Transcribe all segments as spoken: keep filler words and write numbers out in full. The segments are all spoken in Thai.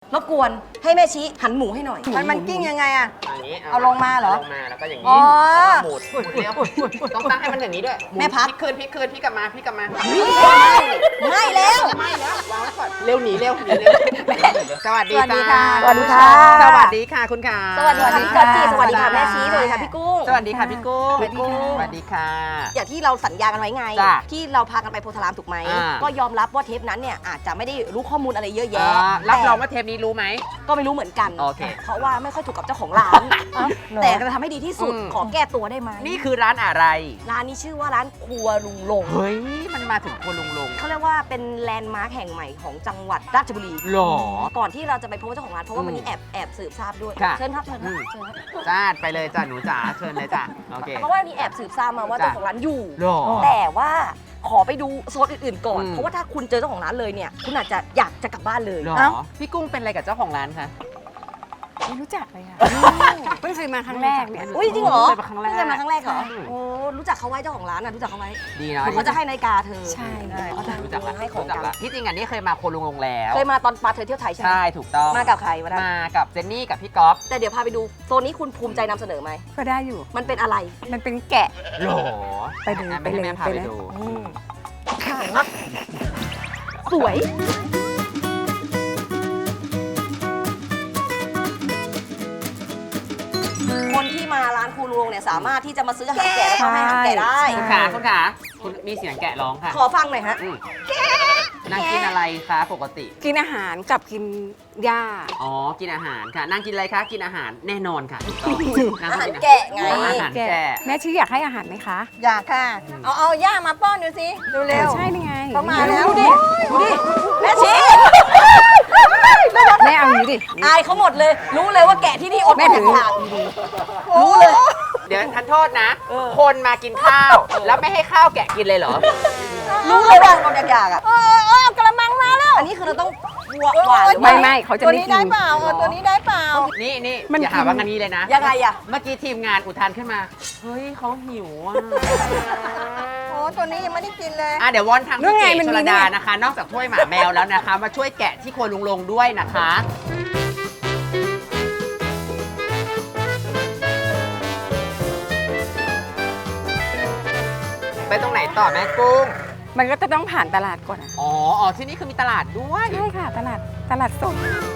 รบกวนให้แม่ชี้หันหมูให้หน่อยมันมันกิ้งยังไงอะอย่างนี้เอาลงมาเหรอลงมาแล้วก็อย่างอ๋นี้อแล้วก็หมุนหมุนเร็วต้องตั้งให้มันอย่างนี้ด้วยหนแม่พักพลิกคืนพลิกคืนพลิกกลับมาพลิกกลับมาไม่แล้วไม่แล้ววางไว้ก่อนเร็วหนีเร็วหนีเร็วสวัสดีสวัสดีค่ะสวัสดีค่ะสวัสดีค่ะคุณขาสวัสดีค่ะพี่กอตจีสวัสดีค่ะแม่ชี้สวัสดีค่ะพี่กุ้งสวัสดีค่ะพี่กุ้งสวัสดีค่ะสวัสดีค่ะอย่างที่เราสัญญากันไว้ไงจ้ะที่เราพากันไปโพธารามถูกไหมอ่าก็ยอมรับว่าเทปนั้นเนี่ยอาจจะไม่ได้รู้ข้อมูลอะไรเยอะแยะอ่ารับรองแต่ว่าเทปนี้รู้ไหมก็ไม่รู้เหมือนกันโอเคเพราะว่าไม่ค่อยถูกกับเจ้าของร้าน แต่จะทำให้ดีที่สุดอืมขอแก้ตัวได้ไหมนี่คือร้านอะไรร้านนี้ชื่อว่าร้านครัวลุงลงเฮ้ยมันมาถึงครัวลุงลงเขาเรียกว่าเป็นแลนด์มาร์คแห่งใหม่ของจังหวัดราชบุรีหรอก่อนที่เราจะไปพบเจ้าของร้านเพราะว่าอืมวันนี้แอบแอบสืบทราบด้วยค่ะเชิญครับเชิญครับอืมเชิญครับจ้าไปเลยจ้าหนูจ๋าเชิญเลยจ้าโอเคเพราะว่าวันนี้แอบสืบทราบมาว่าจ้ะเจ้าของร้านอยู่หรอแต่ว่าขอไปดูโซนอื่นๆก่อนอืมเพราะว่าถ้าคุณเจอเจ้าของร้านเลยเนี่ยคุณอาจจะอยากจะกลับบ้านเลยหรอเอ้าพี่กุ้งเป็นอะไรกับเจ้าของร้านคะไม่รู้จักเลยค่ะเพิ่งเคยมาครั้งแรกเนี่ยอุ้ยจริงเหรอเคยมาครั้งแรกเพิ่งเคยมาครั้งแรกเหรออืมโอ้รู้จักเขาไว้เจ้าของร้านนะรู้จักเขาไว้ดีเนาะเขาจะให้นาฬิกาเธอใช่เขาจะรู้จักละให้ของรู้จักกันละที่จริงอันนี้เคยมาโคลุงลงแล้วเคยมาตอนปาเธอเที่ยวไทยใช่ไหมใช่ถูกต้องมากับใครวันนั้นมากับเจนนี่กับพี่ก๊อฟแต่เดี๋ยวพาไปดูโซนนี้คุณภูมิใจนำเสนอไหมก็ได้อยู่มันเป็นอะไรมันเป็นแกะหรอไปเลยอ่ะไปเลยแม่พาไปไปเลยดูอืมสวย คนที่มาร้านครูลุงเนี่ยสามารถที่จะมาซื้ออาหารแกะแล้วก็ให้อาหารแกะได้คุณขาคุณขาคุณมีเสียงแกะร้องค่ะขอฟังหน่อยฮะอืมนางกินอะไรคะปกติกินอาหารกับกินหญ้าอ๋อ กินอาหารค่ะนางกินอะไรคะ กินอาหารแน่นอนค่ะถูกต้องนงอาหารนแกะไงอาหารแกะแม่ชี้อยากให้อาหารไหมคะอยากค่ะ เอาเอาย่ามาป้อนดูสิเร็วใช่นี่ไงเขามาแล้วดูดิดูดิแม่ชี้แม่เอาอย่างนี้ดิอายเขาหมดเลย รู้เลยว่าแกะที่นี่อดแม่ถืออยากรู้เลยเดี๋ยวทันโทษนะ คนมากินข้าว แล้วไม่ให้ข้าวแกะกินเลยเหรอรู้เลยว่าอดอยากๆอ่ะเออเออเอากระมังมาแล้วอันนี้คือเราต้องหวานหวานหรือไม่ว่าไม่เขาจะตัวไม่นี้กิได้นเปล่าเออตัวนี้ได้เปล่านี่นี่มันอย่าหากินว่างันนี้เลยนะยังไงอ่ะเมื่อกี้ทีมงานอุทานขึ้นมา เฮ้ยเขาหิวอ่ะโอ้ตัวนี้ยังไม่ได้กินเลยอ่ะเดี๋ยววอนทางนู่พี่นไงเก๋มันชมีลดาเนี่ยนะคะ นอกจากถ้วยหมาแมวแล้วนะคะ มาช่วยแกะที่ครัวลุงลงด้วยนะคะ ไปตรงไหนต่อแม่กุ้งมันก็จะต้องผ่านตลาดก่อนอะอ๋ออ๋อที่นี่คือมีตลาดด้วยใช่ค่ะ ตลาดตลาดสด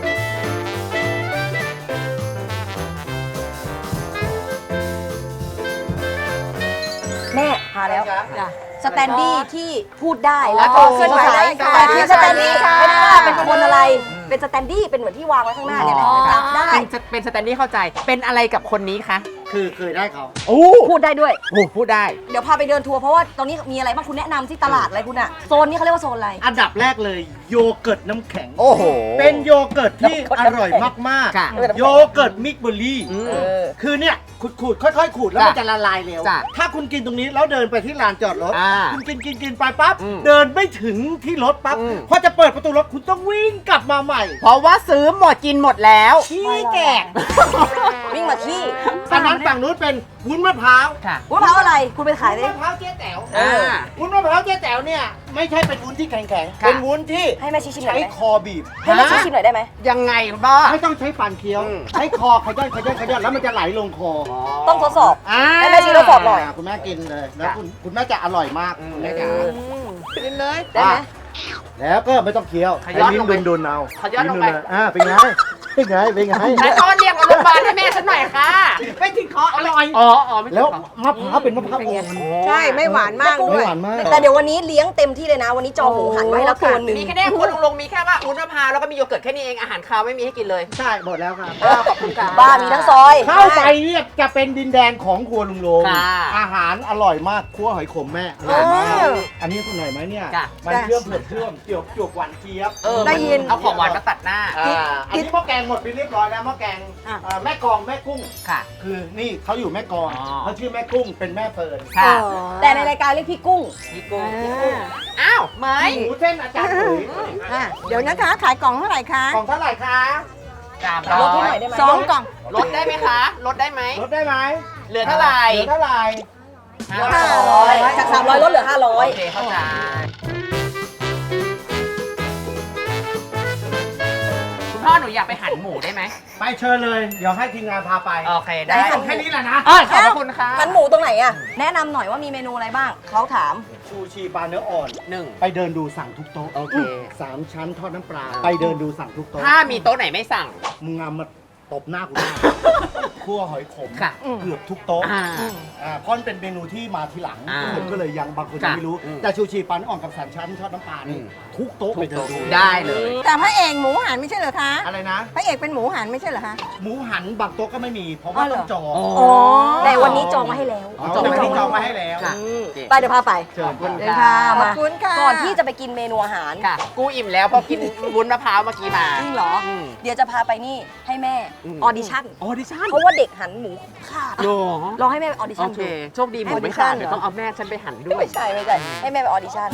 แม่พาแล้วจ้ะสแตนดี้ที่พูดได้แล้วก็อ๋อเคลื่อนไหวได้ค่ะแต่ที่สแตนดี้ค่ะไม่ได้ว่าเป็นคนอะไร เป็นสแตนดี้เป็นเหมือนที่วางไว้ข้างหน้าเนี่ยแหละจับได้เป็นเป็นสแตนดี้เข้าใจ เป็นอะไรกับคนนี้คะคือเคยได้เขาโอ้พูดได้ด้วยโหพูดได้เดี๋ยวพาไปเดินทัวร์เพราะว่าตรงนี้มีอะไรบ้างคุณแนะนำที่ตลาดอะไรคุณอะโซนนี้เขาเรียกว่าโซนอะไรอันดับแรกเลยโยเกิร์ตน้ำแข็งโอ้โหเป็นโยเกิร์ตที่อร่อยมากค่ะๆ โยเกิร์ตมิกเบอร์รี่อืมเออคือเนี่ยขูดๆ ค่อยๆ ขูดแล้วจ้ะมันจะละลายเร็วจ้ะถ้าคุณกินตรงนี้แล้วเดินไปที่ลานจอดรถอ่าคุณกินกินกินไปปั๊บอืมเดินไม่ถึงที่รถปั๊บอืมพอจะเปิดประตูรถคุณต้องวิ่งกลับมาใหม่เพราะว่าซื้อหมดกินหมดแล้วขี้แกะวิ่งมาขี้อันนั้นฝั่งนู้นเป็นวุ้นมะพร้าวค่ะวุ้นมะพร้าวอะไรคุณไปขายวุ้ได้นมะพร้าวเจ๊แต๋วอ่าวุ้นมะพร้าวเจ๊แต๋วเนี่ยไม่ใช่เป็นวุ้นที่แข็งๆค่ะเป็นวุ้นที่ให้แม่ชี้ชิมหน่อยใช้ได้ไหมคอบีบให้แม่ชี้ชิมหน่อยได้ไหมยังไงบ้าไม่ต้องใช้ฟันเคี้ยวอืมใช้คอขย้อนขย้อนขย้อนแล้วมันจะไหลลงคอต้องทดสอบอ่าให้แม่ชี้ทดสอบหน่อยคุณแม่กินเลย แล้วคุณคุณแม่จะอร่อยมากอืมคุณแม่จ๋ากินเลยได้ไหมแล้วก็ไม่ต้องเคี้ยวขย้อนใช้ลงไปลิ้นดุนๆเอาขย้อนลงไปลิ้ๆอ่าเป็นไงเป็นไงเป็นไงนายตอนเรียกโรงพยาบาลให้แม่ฉันหน่อยค่ะไม่ถึงคออร่อยอ๋ออ๋อไม่ใช่แล้วของมะพร้าวเป็นมะพร้าวอ่อนใช่ไม่หวานมากไม่ด้วยหวานมากแต่เดี๋ยววันนี้เลี้ยงเต็มที่เลยนะ วันนี้จองหมูหันไว้ให้แล้วตัวหนึ่งมีแค่เนี้คนลงลงมีแค่ว่าอุ้นมะพร้าวแล้วก็มีโยเกิร์ตแค่นี้เองอาหารคาวไม่มีให้กินเลยใช่หมดแล้วครับขอบคุณค่ะบ้ามีทั้งซอยเข้าไปเนี่ยจะเป็นดินแดนของครัวลุงลงค่ะอาหารอร่อยมากคั่วหอยขมแม่อร่อยมากเอออันนี้คุณหน่อยไหมเนี่ยจ้ะมันเชื่อมเผือกเชื่อมเจียวจวกหวานเจี๊ยบเออได้ยินเอาของหวานมาตัดหน้าอ่าอันนี้หม้อแกงหมดไปเรียบร้อยแล้วหม้อแกงอ่ะเอ่อแม่กองแม่กุ้งค่ะคือนี่เขาอยู่แม่กองอ๋อเขาชื่อแม่กุ้งเป็นแม่เฟิร์นค่ะแต่ในรายการเรียกพี่กุ้งพี่กุ้งพี่กุ้งอ้าวเหมยหมูเส้นอาจารย์ปุ๋ยอ่ะเดี๋ยวนะคะ ขายกล่องเท่าไหร่คะกล่องเท่าไหร่คะสามลร้ดให้อหน่อย ยได้ไหมสองกล่องลดได้ไหมคะ ลดได้ไหมลดได้ไหมเหลือเท่าไหร่เหลือเท่าไหร่ห้าห้าร้ร้ออย ยจากสามร้อยลดเหลือห้าร้อโอย เคเข้าใจคุณพ่อหนูอยากไปหั่นหมูได้ไหมไปเชิญเลย เดี๋ยวให้ทีมงานพาไปโอเคได้ได้ค่ะแค่นี้แหละนะเออขอบพระคุณค่ะหันหมูตรงไหนอะแนะนำหน่อยว่ามีเมนูอะไรบ้างเขาถามชูชีปลาเนื้ออ่อนหนึ่งไปเดินดูสั่งทุกโต๊ะโอเคสามชั้นทอดน้ำปลา ไปเดินดูสั่งทุกโต๊ะถ้ามีโต๊ะไหนไม่สั่งมึงงามมาตบหน้ากูได้ คั่วหอยขมค่ะเกือบทุกโต๊ะอ่าอ่าเพราะมันเป็นเมนูที่มาทีหลังอ่าคนก็เลยยังบางคนยังค่ะไม่รู้อืมแต่ชูชีปลาเนื้ออ่อนกับสามชั้นทอดน้ำปลานี่อืมทุกโต๊ะไปเดินดูได้เลยแต่พระเอกหมูหันไม่ใช่เหรอคะอะไรนะพระเอกเป็นหมูหันไม่ใช่เหรอคะหมูหันบางโต๊ะก็ไม่มี เพราะว่าอ๋อเหรต้อองจองอ๋อแต่วันนี้จองมาให้แล้วอ๋อจองมาที่จองมาให้แล้วค่ะอืมไปเดี๋ยวพาไปเชิญคุณเดินค่ะขอบมาคุณค่ะก่อนที่จะไปกินเมนูอาหารค่ะ กูอิ่มแล้วเพอกินวุ้นมะพร้าวเมื่อกี้มาจริงเหรออืมเดี๋ยวจะพาไปนี่ให้แม่อืมออดิชั่นออดิชั่นเพราะว่าเด็กหันหมูขาดโอ้ลองให้แม่ไปออดิโอชั่นเคดูโชคดีหมูออดิไม่ชั่ขาดนเดี๋ยวเหรอต้องเอาแม่ฉันไปหั่นด้วยไม่ใช่ไม่ใช่ให้แม่ไปออดิชั่น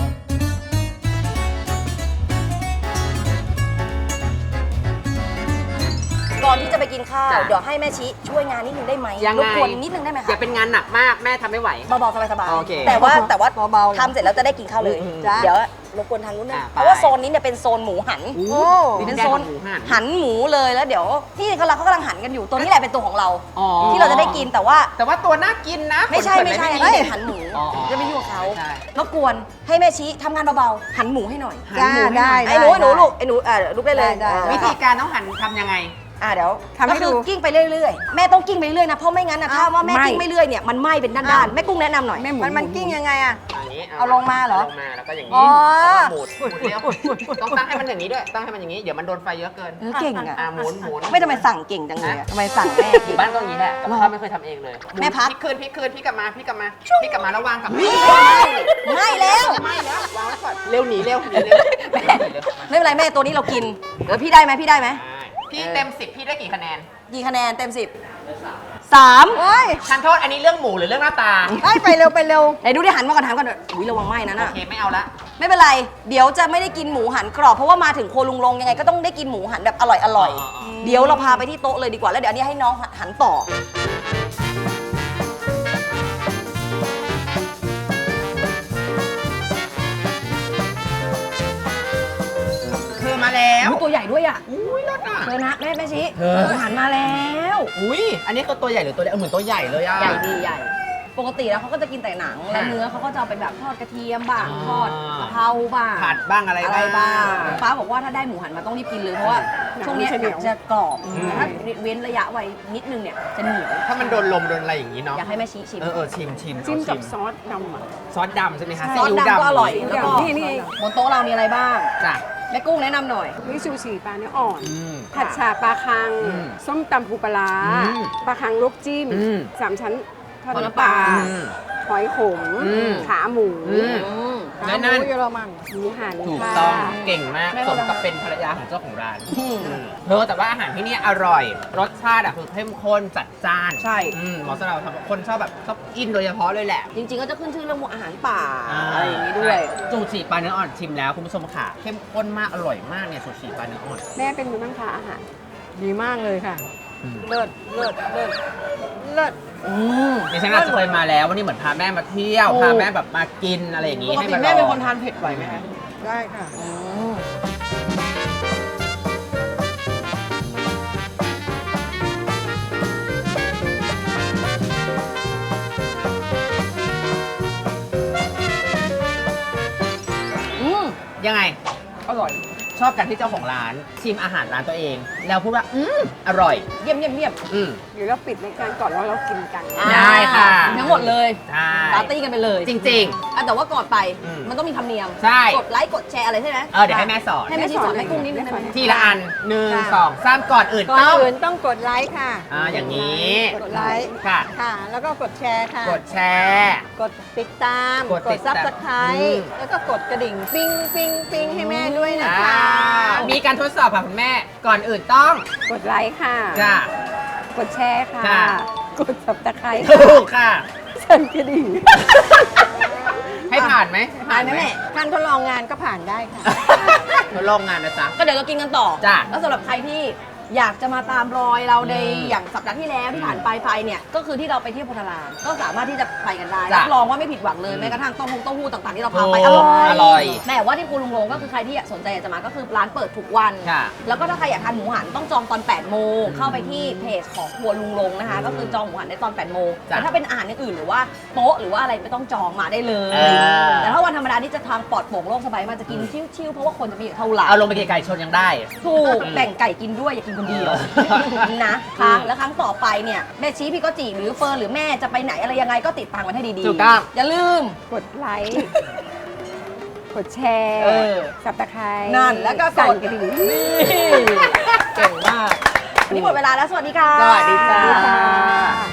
ก่อนที่จะไปกินข้าวจ้ะเดี๋ยวให้แม่ชี้ช่วยงานนิดนึงได้ไหมยังไงรบกวนนิดนึงได้ไหมอย่าคะเป็นงานหนักมากแม่ทำไม่ไหวเบาๆสบายโอเคๆแต่ว่าแต่ว่าเบาๆทำเสร็จแล้วจะได้กินข้าวเลยอืมจ้ะเดี๋ยวรบกวนทางนู้นนะอ่ะไปเพราะว่าโซนนี้เนี่ยเป็นโซนหมูหันโอ้โอ้เป็นโซนหมูหั่นหันหมูเลยแล้วเดี๋ยวที่เขาเราเขากำลังหันกันอยู่ตัวนี้แหละเป็นตัวของเราอ๋อที่เราจะได้กินแต่ว่าแต่ว่าตัวน่ากินนะไม่ใช่ขนไม่ใช่เขิอันนนี้ไม่เด็มีกหันหมูอ๋ออ๋อจะไปยุ่งกับเขาใช่รบกวนให้แม่ชี้ทำงานเบาๆหันหมูให้หน่อยจ้าได้ไอ้หนูไอ้หนูลูกไอ้หนูอ่าลุกได้เลยได้ได้วิธีการต้องหั่นทำยังไงอ่าเดี๋ยวทำให้ก็คือดูกิ้งไปเรื่อยๆแม่ต้องกิ้งไปเรื่อยๆนะเพราะไม่งั้นนะถ้าว่าแม่ไม่กิ้งไม่เรื่อยเนี่ยมันไหม้เป็นด้านๆแม่กุ้งแนะนำหน่อยมันมันกิ้งยังไงอะอย่างนี้เอาลงมาเหรอลงมาแล้วก็อย่างอ๋นี้อแล้วก็หมุนหมุนเลี้ยวต้องตั้งให้มันอย่างนี้ด้วยตั้งให้มันอย่างนี้เดี๋ยวมันโดนไฟเยอะเกินเออเก่งอ่ะอ่าหมุนหมุนไม่ทำไมสั่งเก่งจังเลยอะทำไมสั่งแม่อเก่งยู่บ้านก็อย่างนี้แหละกับข้าวไม่เคยทำเองเลยแม่พัดพลิกคืนพลิกคืนพลิกกลับมาพลิกกลับมาพลิกกลับมาแล้ววางกลับมาไม่แล้วไม่แล้ววางไว้ก่อนเร็วหนีเร็วหนีเร็วหนีเร็วไม่เป็นไรแม่ตัวนี้เรากินเดี๋ยวพี่ได้ไหมพี่ได้ไหมพี่เต็มสิบพี่ได้กี่คะแนนกี่คะแนนเต็มสิบสามโอ้ยฉันโทษอันนี้เรื่องหมูหรือเรื่องหน้าตาเอ้ยไปเร็วไปเร็วไหนดูดิหันมาก่อนหันก่อนอุ้ยระวังไหม้นะโอน่ะเคไม่เอาละไม่เป็นไร เดี๋ยวจะไม่ได้กินหมูหันกรอบเพราะว่ามาถึงโคลุงลงยังไงก็ต้องได้กินหมูหันแบบอร่อยอร่อยๆเดี๋ยวเราพาไปที่โต๊ะเลยดีกว่าแล้วเดี๋ยวอันนี้ให้น้องหันต่อคือมาแล้วอุ๊ยตัวใหญ่ด้วยอ่ะอุ้ยรสอ่ะเธอนะแม่แม่ชี้เธอหมูหันมาแล้วอุ้ยอันนี้คือตัวใหญ่หรือตัวเล็กเออเหมือนตัวใหญ่เลยอ่ะใหญ่ดีใหญ่ ปกติแล้วเขาก็จะกินแต่หนังแล้วเนื้อเขาก็จะเอาไปแบบทอดกระเทียมบ้างอ่าทอดกะเพราบ้างผัดบ้างอะไรอะไรบ้างบ้างป้าบอกว่าถ้าได้หมูหันมาต้องรีบกินเลยเพราะว่าช่วงเนี้ยหนังมันจะเหนียวจะกรอบอืมแต่ถ้าเว้นระยะไว้นิดนึงเนี่ยจะเหนียวถ้ามันโดนลมโดนอะไรอย่างนี้เนาะอยากให้แม่ชี้ชิมเออเออชิมชิมจิ้มเอากับซอสดำอะซอสดำใช่ไหมคะซอสซีอิ๊วดำก็อร่อยนี่แล้วก็นี่นี่บนโต๊ะเรามีอะไรบ้างจ้ะแม่กุ้งแนะนำหน่อยนี่ซูชิปลาเนื้ออ่อนอืมผัดฉ่าปลาคังอืมส้มตำปูปลาร้าอืมปลาคังลวกจิ้มอืมสามชั้นทอดทอดน้ำน้ำปปลาลาอืมหอยขมอืมขาหมูอืมอืมและนั่นหมูเยอรมันหมูหันถูกค่ะต้องเก่งมากแม่สก็มทำกับเป็นภรรยาของเจ้าของร้านอืมเธอแต่ว่าอาหารที่นี่อร่อย รสชาติอะคือเข้มข้นจัดจ้านใช่อืมเหมาะสำหรับคนชอบแบบชอบกินโดยเฉพาะเลยแหละจริงๆก็จะขึ้นชื่อเรื่องอาหารป่าอะไรอย่างนี้ด้วยซูชิปลาเนื้ออ่อนชิมแล้วคุณผู้ชมค่ะ เข้มข้นมากอร่อยมากเนี่ยซูชิปลาเนื้ออ่อนแม่เป็นมือนั่งทานอาหาร ดีมากเลยค่ะเลิศเลิศเลิศเลิศอืมดิฉันอาจจะเคยมาแล้ววันนี้เหมือนพาแม่มาเที่ยวโอ้พาแม่แบบมากินอะไรอย่างนี้ปกให้ติมาลแม่องเป็นคนทานเผ็ดไหวไหมคะได้ค่ะอืม อืมยังไงอร่อยชอบกันที่เจ้าของร้านชิมอาหารร้านตัวเอง แล้วพูดว่าอืมอร่อยเยี่ยมเยี่ยมเยี่ยมอืมเดี๋ยวเราปิดรายการก่อนแล้วเรากินกันได้ค่ะทั้งหมดเลยใช่ปาร์ตี้กันไปเลยจริงอ่ะแต่ว่าก่อนไปอืมมันต้องมีธรรมเนียมใช่กดไลค์กดแชร์อะไรใช่ไหมๆ เออเดี๋ยวให้แม่สอนให้แม่ชี้สอนให้กุ้งนิดนึงได้ไหมทีละอันหนึ่งค่ะสองสามก่อนอื่นก่อนต้องอื่นต้องกดไลค์ค่ะอ่าอย่างนี้กดไลค์ค่ะค่ะ แล้วก็กดแชร์ค่ะกดแชร์กดติดตามกดติดตามซับสไครอืมต์แล้วก็กดกระดิ่งปิ้งปิ้งปิ้งให้แม่ด้วยนะคะอ่ามีการทดสอบค่ะคุณแม่ ก่อนอื่นต้องกดไลค์ค่ะจ้ะกดแชร์ค่ะค่ะกดสับตะไคร้ถูกค่ะสั่นกระดิ่งให้ผ่านไหมผผ่านไหมแม่การทดลองงานก็ผ่านได้ค่ะทดลองงานนะจ๊ะก็เดี๋ยวเรากินกันต่อจ้ะแล้วสำหรับใครที่อยากจะมาตามรอยเราในอืมอย่างสัปดาห์ที่แล้วที่ผ่านไปไปเนี่ยก็คือที่เราไปเที่ยวโพธารามก็สามารถที่จะไปกันได้จ้ะรับรองว่าไม่ผิดหวังเลยอืมแม้กระทั่งเต้าหู้เต้าหู้ต่างๆที่เราพาโอ้ไปอร่อยอร่อยแต่ว่าที่ครัวลุงลงก็คือใครที่สนใจอยากจะมาก็คือร้านเปิดทุกวันค่ะแล้วก็ถ้าใครอยากทานหมูหันต้องจองตอนแปดโมงเข้าไปที่เพจของครัวลุงลงนะคะ ก็คือจองหมูหันได้ตอนแปดโมงจ้ะแต่ถ้าเป็นอาหารอย่างอื่นหรือว่าโต๊ะหรือว่าอะไรไม่ต้องจองมาได้เลยเออแต่ถ้าวันธรรมดานี่จะทางปลอดโปร่งโล่งสบายมันจะกินชิวๆเพราะว่าคนจะมีอยู่เท่าไหร่เอาลงไปไก่ชนยังได้ถูกแบ่งไก่กินด้วยอย่ากินคนเดียวนะคะแล้วครั้งต่อไปเนี่ยแม่ชี้พี่ก็จีหรือเฟิร์นหรือแม่จะไปไหนอะไรยังไงก็ติดตามกันให้ดีๆถูกต้องอย่าลืมกดไลค์ กดแชร์เออสับตะไคร้นั่นแล้วก็กสั่นดกระดิ่งนี่เก่งมากวันนี้หมดเวลาแล้วสวัสดีค่ะสวัสดีจ้าค่ะ